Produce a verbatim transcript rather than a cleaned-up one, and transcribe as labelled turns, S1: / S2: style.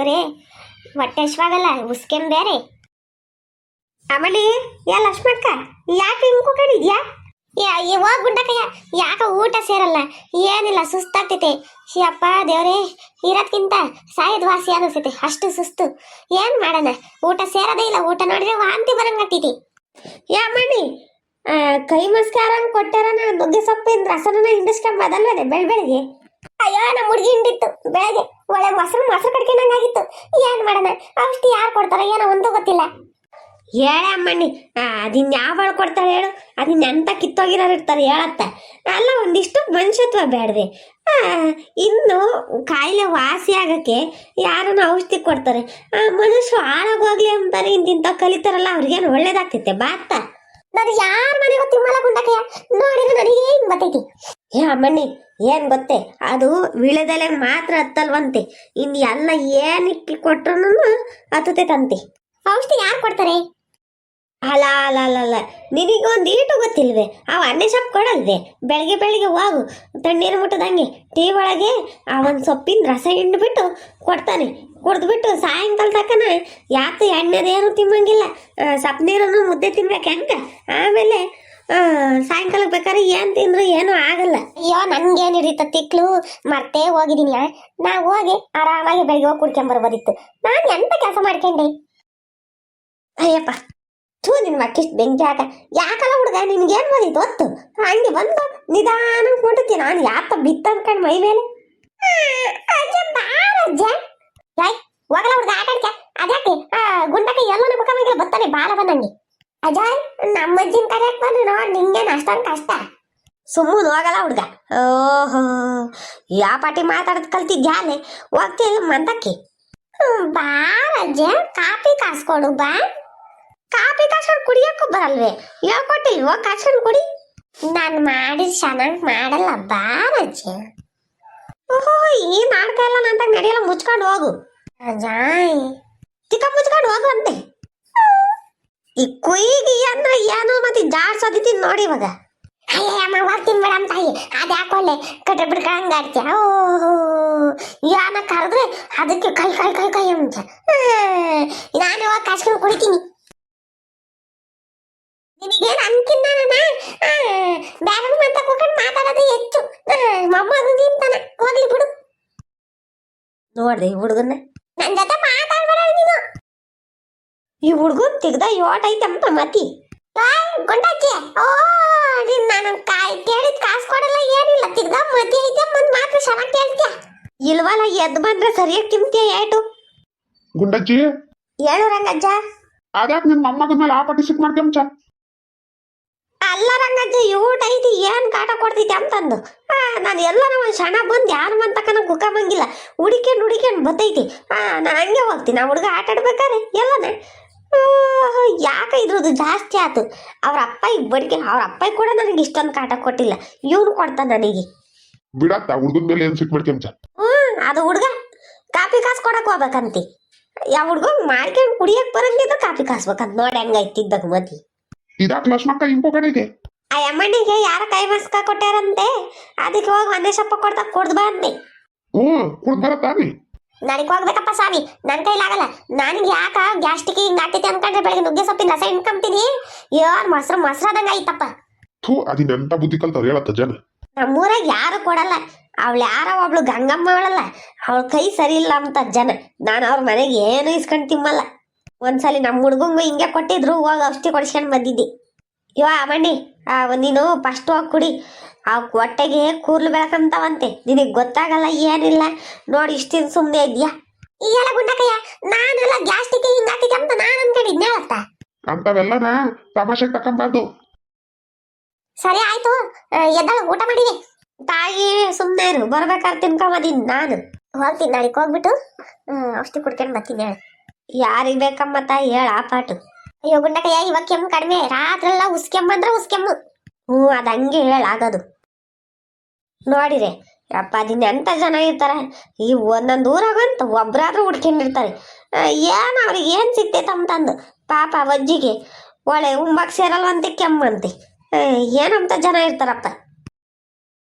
S1: ದೇವ್ರೇ ಹೊಟ್ಟೆ ಹಶ್ವಾಗಲ್ಲ ಉಸ್ಕೆನ್ ಬೇರೆ. ಆಮೇಲೆ ಯಾ ಲಕ್ಷ್ಮಕ್ಕ ಯಾಕೆ ಹಿಂಗ್ ಕೂಕೊಂಡಿದ್ಯಾ? ಹೋಗ್ ಗುಂಡಕಯ್ಯ, ಯಾಕ ಊಟ ಸೇರಲ್ಲ, ಏನಿಲ್ಲ ಸುಸ್ತಾಗ್ತೈತೆ. ಅಪ್ಪ ದೇವ್ರೇ, ಇರೋದ್ಕಿಂತ ಸಾಯದ್ ವಾಸಿ ಅನಿಸ್ತೈತೆ, ಅಷ್ಟು ಸುಸ್ತು. ಏನ್ ಮಾಡೋಣ, ಊಟ ಸೇರದೇ ಇಲ್ಲ. ಊಟ ನೋಡಿದ್ರೆ ವಾಂತಿ ಬರಂಗಾಗ್ತೈತಿ. ಯಾ ಮಣ್ಣಿ ಕೈ ಮಸ್ಕಾರಂಗ್ ಕೊಟ್ಟಾರ, ನುಗ್ಗೆ ಸೊಪ್ಪಿನ ರಸನ ಹಿಂಡಿಸ್ಕೊಂಡ್ ಬದಲ್ವದೆ ಬೆಳ್ ಬೆಳಿಗ್ಗೆ. ಅಯ್ಯೋ ನಮ್ಮ ಹುಡುಗಿ ಹಿಂಡಿತ್ತು ಬೆಳಗ್ಗೆ, ಒಳ್ಳೆ ಮೊಸರು ಮೊಸರು ಕಡ್ಕೊಂಡಂಗಾಗಿತ್ತು. ಏನ್ ಮಾಡೋಣ, ಔಷಧಿ ಯಾರು ಕೊಡ್ತಾರ ಏನೋ ಒಂದು ಗೊತ್ತಿಲ್ಲ. ಹೇಳ ಅಮ್ಮಣ್ಣಿ, ಅದಿನ್ ಯಾವ ಕೊಡ್ತಾಳೆ ಹೇಳು? ಅದಿನ್ ಎಂತ ಕಿತ್ತೋಗಿರೋರು ಇರ್ತಾರೆ ಹೇಳತ್ತ. ಅಲ್ಲ ಒಂದಿಷ್ಟು ಮನುಷ್ಯತ್ವ ಬೇಡವೆ. ಇನ್ನು ಕಾಯಿಲೆ ವಾಸಿ ಆಗಕ್ಕೆ ಯಾರನ್ನ ಔಷಧಿ ಕೊಡ್ತಾರೆ, ಮನುಷ್ಯರು ಹಾಳಾಗೋಗ್ಲಿ ಅಂತಾರೆ. ಇಂತಿಂತ ಕಲಿತಾರಲ್ಲ ಅವ್ರಿಗೇನು ಒಳ್ಳೇದಾಗ್ತೈತೆ ಬಾತ್ತ. ನಾನು ಯಾರ ಮನೆಗೂ ತಿಮ್ಮಲ ಗುಂಡಕಯ್ಯ, ನೋಡಿದ್ರೆ ನನಗೆ ಏನ್ ಬರ್ತೈತಿ. ಏ ಅಮ್ಮಣ್ಣಿ ಏನ್ ಗೊತ್ತೇ, ಅದು ವಿಳೆದೆಲೆ ಮಾತ್ರ ಹತ್ತಲ್ವಂತೆ, ಇನ್ ಎಲ್ಲ ಏನ್ ಇಕ್ಕಿ ಕೊಟ್ರು ಹತ್ತತೈತಂತೆ. ಔಷಧಿ ಯಾರು ಕೊಡ್ತಾರೆ? ಅಲ್ಲ ಅಲ್ಲ ಅಲ್ಲ ಅಲ್ಲ ನಿನಗೊಂದು ಈಟು ಗೊತ್ತಿಲ್ವೇ? ಅವ ಅನ್ನೆ ಸೊಪ್ಪು ಕೊಡಲ್ವೇ? ಬೆಳಗ್ಗೆ ಬೆಳಿಗ್ಗೆ ಹೋಗು ತಣ್ಣೀರು ಮುಟ್ಟದಂಗೆ ಟೀ ಒಳಗೆ ಆ ಒಂದು ಸೊಪ್ಪಿನ ರಸ ಹಿಂಡ್ಬಿಟ್ಟು ಕೊಡ್ತಾನೆ. ಕುಡ್ದ್ಬಿಟ್ಟು ಸಾಯಂಕಾಲ ತಕ್ಕನ ಯಾಕೆ ಎಣ್ಣೆದೇನು ತಿನ್ನಂಗಿಲ್ಲ, ಸೊಪ್ಪು ನೀರನ್ನು ಮುದ್ದೆ ತಿನ್ಬೇಕು ಹೆಂಗ. ಆಮೇಲೆ ಸಾಯಂಕಾಲಕ್ಕೆ ಬೇಕಾದ್ರೆ ಏನು ತಿಂದ್ರು ಏನೂ ಆಗಲ್ಲ. ಅಯ್ಯೋ ನನ್ಗೇನು ಹಿಡಿತ ತಿಕ್ಲು, ಮರ್ತೇ ಹೋಗಿದ್ದೀನಿ. ನಾ ಹೋಗಿ ಆರಾಮಾಗಿ ಬೆಳಿಗ್ಗೆ ಹೋಗಿ ಕುಡ್ಕೊಂಬರ್ಬೋದಿತ್ತು. ನಾನು ಎಂತ ಕೆಲಸ ಮಾಡ್ಕೊಂಡೆ. ಅಯ್ಯಪ್ಪ ಥೂ, ನಿನ್ ಮಕ್ಕಿಷ್ಟು ಬೆಂಕಿ ಹಾಕ. ಯಾಕಲ್ಲ ಹುಡುಗ, ನಿನ್ಗೇನ್ ಬಂದಿತ್ತು ಹೊತ್ತು? ಹಂಗೆ ಬಂದು ನಿಧಾನ ಕೊಡ್ತೀನಿ ನಾನು. ಯಾಕ ಬಿತ್ತ ಅನ್ಕಂಡ್ ಮೈ ಮೇಲೆ. ಯಾಯ್ ಹೋಗಲ್ಲ ಹುಡುಗ ಆಟ ಆಡ್ಕ. ಅದ್ಯಾಕೆ ಗುಂಡಕ್ಕೆ ಎಲ್ಲನ ಮುಖ ಬರ್ತಾನೆ ಬಾಲ ಬಂದಂಗೆ. ಅಜಾಯ್ ನಮ್ಮ ಅಜ್ಜಿನ ಕರೆಯಕ್ ಬಂದ್ರೆ ನೋಡ್ ನಿಂಗೇನು ಅಷ್ಟೊಂದು ಕಷ್ಟ. ಸುಮ್ಮನೆ ಹೋಗಲ್ಲ ಹುಡುಗ. ಓಹೋ ಯಾ ಪಾಟಿ ಮಾತಾಡದ್ ಕಲ್ತಿದ್ಯಾ ಅಲ್ಲೇ ಹೋಗ್ತಿಲ್ಲ ಮಂತಕ್ಕೆ. ಬಾ ರಜ್ಜ, ಕಾಪಿ ಕಾಸ್ಕೊಡು ಬಾ. ಕಾಪಿ ಕಾಸ್ಕೊಂಡು ಕುಡಿಯಕ್ಕೂ ಬರಲ್ವೇ? ಹೇಳ್ಕೊಟ್ಟಿಲ್ವೋ ಕಾಸ್ಕೊಂಡು ಕುಡಿ. ನಾನು ಮಾಡಿದ್ ಚೆನ್ನಾಗಿ ಮಾಡಲ್ಲ ಬಾ ರಜ್ಜ. ಓಹೋ ಈ ನಾಟಕ ಎಲ್ಲ ನಂತಾಗ ನಡೆಯಲ್ಲ, ಮುಚ್ಕೊಂಡು ಹೋಗು. ಅಜಾಯ್ ಚಿಕ್ಕ ಮುಚ್ಕೊಂಡು ಹೋಗು ಅಂತೆ. ಈ ಕುಯ್ಗಿ ಅಂದ್ರೆ ಏನೋ ಮತ್ತೆ ಜಾಡ್ಸೋದಿದ್ದೀನಿ ನೋಡಿ ಇವಾಗ. ಅಯ್ಯಮ್ಮ ಹೋಗ್ತೀನಿ ಮೇಡಮ್ ತಾಯಿ, ಅದು ಯಾಕೊಳ್ಳೆ ಕಟ್ಟ ಬಿಡ್ಕೊಂಡ್ ಆಡ್ತೀಯ. ಓಹೋ ಯಾನ ಕರೆದ್ರೆ ಅದಕ್ಕೆ ಕೈ ಕೈ ಕೈ ಕೈ ಅಂತ. ನಾನು ಇವಾಗ ಕಾಸ್ಕೊಂಡು ಕುಡಿತೀನಿ. ನಿನಗೇನು ಅನ್ಕಿನ್ನ ಬ್ಯಾರ ಅಂತ ಕೂಕೊಂಡು ಮಾತಾಡೋದು ಹೆಚ್ಚು. ಮೊಮ್ಮಗ ತಿಂತಾನ, ಹೋಗ್ಲಿ ಬಿಡು. ನೋಡ್ರಿ ಈ ಹುಡುಗನ್ನ ನನ್ನ ಜೊತೆ ಮಾತಾಡ್ಬೇಡ ನೀನು. ಈ ಹುಡುಗನ್ ತೆಗ್ದ ಯೋಟ್ ಐತಮ್ಮ ಮತಿ ಗುಂಡಜ್ಜಿ. ಓ ನಿನ್ ನಾನು ಕಾಯಿ ಕೇಳಿದ್ ಕಾಸು ಕೊಡಲ್ಲ ಏನಿಲ್ಲ, ತೆಗ್ದ ಮತಿ ಐತೆ ಮಂದ್ ಮಾತ್ರ ಚೆನ್ನಾಗಿ ಕೇಳ್ತೀಯ. ಇಲ್ವಲ್ಲ ಎದ್ದು ಬಂದ್ರೆ ಸರಿಯಾಗಿ ತಿಂತೀಯ ಏಟು.
S2: ಗುಂಡಜ್ಜಿ
S1: ಹೇಳು ರಂಗಜ್ಜ.
S2: ಅದ್ಯಾಕೆ ನಿನ್ ಮೊಮ್ಮಗನ ಮೇಲೆ ಆ ಪಟ್ಟಿ ಸಿಕ್ ಮಾಡ್ಕೊಂಚ?
S1: ಅಲ್ಲ ರಂಗಜ್ಜ, ಊಟ ಐತಿ ಏನ್ ಕಾಟ ಕೊಡ್ತೈತಿ ಅಂತಂದು ನಾನು ಎಲ್ಲರ ಒಂದ್ ಕ್ಷಣ ಬಂದು ಯಾರು ಮಂತಕನ ಕುಕ್ಕಂಗಿಲ್ಲ, ಹುಡಿಕೊಂಡು ಹುಡಿಕೊಂಡು ಬತ್ತೈತಿ. ಹಾ ನಾನು ಹಂಗೆ ಹೋಗ್ತೀನಿ. ಆ ಹುಡುಗ ಆಟ ಆಡ್ಬೇಕಾರೆ ಎಲ್ಲನ ಯಾಕೆ ಇದ್ರದ್ದು ಜಾಸ್ತಿ ಆಯ್ತು. ಅವ್ರ ಅಪ್ಪ ಈಗ ಬಡಿಕೆ, ಅವ್ರ ಅಪ್ಪ ಕೂಡ ನನಗೆ ಇಷ್ಟೊಂದು ಕಾಟ ಕೊಟ್ಟಿಲ್ಲ, ಇವನು ಕೊಡ್ತಾನ ನನಗೆ.
S2: ಬಿಡತ್ತ ಹುಡುಗನ ಮೇಲೆ ಏನ್ ಸಿಕ್ ಮಾಡ್ಕೊಂಚ?
S1: ಹ್ಮ್ ಅದು ಹುಡುಗ ಕಾಪಿ ಕಾಸು ಕೊಡಕ್ ಹೋಗ್ಬೇಕಂತಿ. ಯಾವ ಹುಡುಗ ಮಾಡ್ಕೊಂಡು ಕುಡಿಯಕ್ ಬರಂಗಿದ್ದು ಕಾಪಿ ಕಾಸ್ಬೇಕಂತ. ನೋಡಿ ಹಂಗೈತಿದ್ದಾಗ ಮತಿ.
S2: ಇದಾಕ್ ಲಕ್ಷ್ಮಕ್ಕ ಇಂಪೋಕಣಿಗೆ
S1: ಆ ಅಮ್ಮನಿಗೆ ಯಾರ ಕೈ ಮಸ್ಕ ಕೊಟ್ಟಾರಂತೆ, ಅದಕ್ಕೆ ಹೋಗಿ ಒಂದೇ ಸೊಪ್ಪ ಕೊಡ್ತಾ ಕುಡ್ದು ಬಂದೆ.
S2: ಹ್ಮ್ ಕುಡ್ದು ಬರತ್ತಾನೆ.
S1: ನನಗೆ ಹೋಗ್ಬೇಕಪ್ಪ ಸ್ವಾಮಿ, ನನ್ನ ಕೈಲಾಗಲ್ಲ. ನನಗೆ ಯಾಕ ಗ್ಯಾಸ್ಟಿಕ್ ಹಿಂಗ್ ಆಗ್ತೈತಿ ಅನ್ಕೊಂಡ್ರೆ ಬೆಳಗ್ಗೆ ನುಗ್ಗೆ ಸೊಪ್ಪಿನ ರಸ ಇನ್ಕೊಂತೀನಿ. ಏನ್ ಮೊಸರು ಮೊಸರಾದಂಗ ಐತಪ್ಪ.
S2: ಥೂ ಅದಿನೆಂತ ಬುದ್ಧಿ ಕಲ್ತವ್ರು ಹೇಳತ್ತ ಜನ.
S1: ನಮ್ಮೂರಾಗ ಯಾರು ಕೊಡಲ್ಲ. ಅವಳು ಯಾರ ಒಬ್ಳು ಗಂಗಮ್ಮ ಅವಳಲ್ಲ, ಅವಳ ಕೈ ಸರಿ ಇಲ್ಲ ಅಂತ ಜನ. ನಾನು ಅವ್ರ ಮನೆಗೆ ಏನು ಇಸ್ಕೊಂಡ್ ತಿಮ್ಮಲ್ಲ. ಒಂದ್ಸಲಿ ನಮ್ಮ ಹುಡ್ಗಂಗು ಹಿಂಗೆ ಕೊಟ್ಟಿದ್ರು, ಹೋಗಿ ಔಷಧಿ ಕೊಡಿಸ್ಕೊಂಡು ಬಂದಿದ್ದಿ. ಇವ ಮಣ್ಣಿ ನೀನು ಫಸ್ಟ್ ಹೋಗಿ ಕುಡಿ. ಆ ಹೊಟ್ಟೆಗೆ ಕೂರ್ಲು ಬೆಳಕಂತಾವಂತೆ, ನಿನಗೆ ಗೊತ್ತಾಗಲ್ಲ ಏನಿಲ್ಲ. ನೋಡಿ ಇಷ್ಟಿನ ಸುಮ್ಮನೆ ಇದ್ಯಾ. ಈಗೆಲ್ಲ ಗುಂಡಕಯ್ಯ ನಾನೆಲ್ಲ ಗ್ಯಾಸ್ಟಿಕ್ ಹಿಂಗಾಗ್ತೈತೆ ಅಂತ ನಾನು ಅನ್ಕೊಂಡಿದ್ನೆ ಹೇಳತ್ತ.
S2: ಅಂತವೆಲ್ಲನ ತಮಾಷೆಗೆ ತಕೊಂಬಾರ್ದು.
S1: ಸರಿ ಆಯ್ತು, ಎದ್ದಾಳ ಊಟ ಮಾಡಿದೆ. ತಾಯಿ ಸುಮ್ಮನೆ ಇರು, ಬರ್ಬೇಕಾದ್ರೆ ತಿನ್ಕೊಂಬದೀನಿ ನಾನು. ಹೋಗ್ತೀನಿ ನಾಳೆಗೆ ಹೋಗ್ಬಿಟ್ಟು ಔಷಧಿ ಕುಡ್ಕೊಂಡು ಬರ್ತೀನಿ. ಹೇಳ ಯಾರಿಗೆ ಬೇಕಮ್ಮ ತಾಯಿ ಹೇಳ ಆ ಪಾಟು. ಅಯ್ಯೋ ಗುಂಡಕಯ್ಯ ಇವಾಗ ಕೆಮ್ಮು ಕಡಿಮೆ, ರಾತ್ರೆಲ್ಲ ಉಸ್ಕೆಮ್ಮಂದ್ರೆ ಉಸ್ಕೆಮ್ಮು. ಹ್ಞೂ ಅದು ಹಂಗೆ ಹೇಳಾಗದು. ನೋಡಿರೆ ಅಪ್ಪ ಅದಿನ ಎಂತ ಜನ ಇರ್ತಾರೆ ಈ ಒಂದೊಂದು ಊರಾಗಂತ ಒಬ್ರಾದ್ರೂ ಹುಡ್ಕೊಂಡಿರ್ತಾರೆ. ಏನು ಅವ್ರಿಗೆ ಏನು ಸಿಕ್ತೈತಂತಂದು ಪಾಪ ವಜ್ಜಿಗೆ ಒಳ್ಳೆ ಉಂಬಾಕ್ ಸೇರಲ್ವಂತೆ ಕೆಮ್ಮಂತೆ ಏನಂತ ಜನ ಇರ್ತಾರಪ್ಪ.